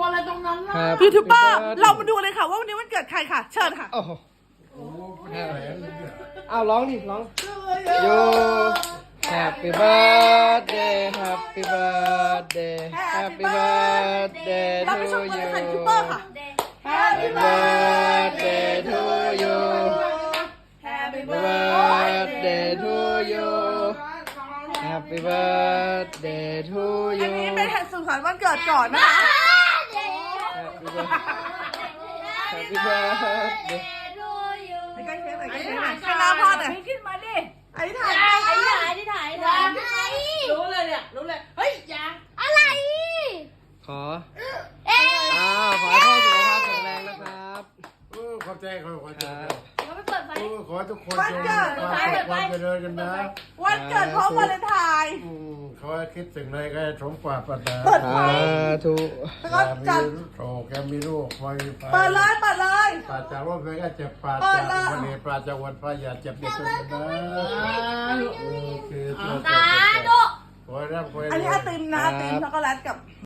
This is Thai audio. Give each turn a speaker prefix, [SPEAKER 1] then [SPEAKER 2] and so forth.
[SPEAKER 1] อะไรตรงนั้นล่ะ
[SPEAKER 2] ยูทูบเบอร์เรามาดูเลยค่ะว่าวันนี้วันเกิดใครค่ะเชิญค่ะ
[SPEAKER 3] โอ้โห
[SPEAKER 1] โอ้แค่ไหนเนี่ย
[SPEAKER 3] เอาร้องดิร้องโย Happy birthday Happy birthday Happy birthday
[SPEAKER 2] เรา
[SPEAKER 3] to
[SPEAKER 2] ไปชมกันเลย
[SPEAKER 3] you
[SPEAKER 2] ค่ะยูทูบเบอร์ค่ะ
[SPEAKER 3] Happy birthday to you
[SPEAKER 2] Happy
[SPEAKER 3] Happy birthday to you Happy birthday to
[SPEAKER 2] อัน
[SPEAKER 3] you
[SPEAKER 2] นี้เป็นสุขสันต์วันเกิดก่อนนะคะ
[SPEAKER 3] Happy birthday
[SPEAKER 2] ไปใกล้เค้กหน่อยใกล้เค้กหน่อยให้หน้าพ่อหน่อย
[SPEAKER 4] ขึ้นมาดิ
[SPEAKER 2] ไอ้ถ่าย
[SPEAKER 4] รู้เลยเนี่ยรู้เลยเฮ้ยอย่า
[SPEAKER 3] ขอขอให้พ่อสุขภาพแข็งแรงนะครับ
[SPEAKER 1] ขอบใจขอบใจ
[SPEAKER 3] ครับ
[SPEAKER 4] เราไปเปิดไฟ
[SPEAKER 1] ขอให้ทุกคนจงความเจริญกันนะ
[SPEAKER 2] วันเกิดพร้อมวาเลนไทน์
[SPEAKER 1] ขอให้คิดถึงอะไรก็ให้สมปรารถนา
[SPEAKER 2] เปิดไฟ
[SPEAKER 3] ธุ
[SPEAKER 2] แล้วก็จัด
[SPEAKER 1] โอ้แกมีลูกไฟไฟ
[SPEAKER 2] เปิดเลยเปิดเลย
[SPEAKER 1] ปราจากโรคภัยก็เจ็บปราจากวันนี้ปราจากวันพระอย่าเจ็บอย่าจนกันนะโอเค
[SPEAKER 4] ตาดุ
[SPEAKER 1] ขอให้ร่ำขอให้รวย
[SPEAKER 2] อันนี้ไอติมนะไอติมช็อกโกแลตกับ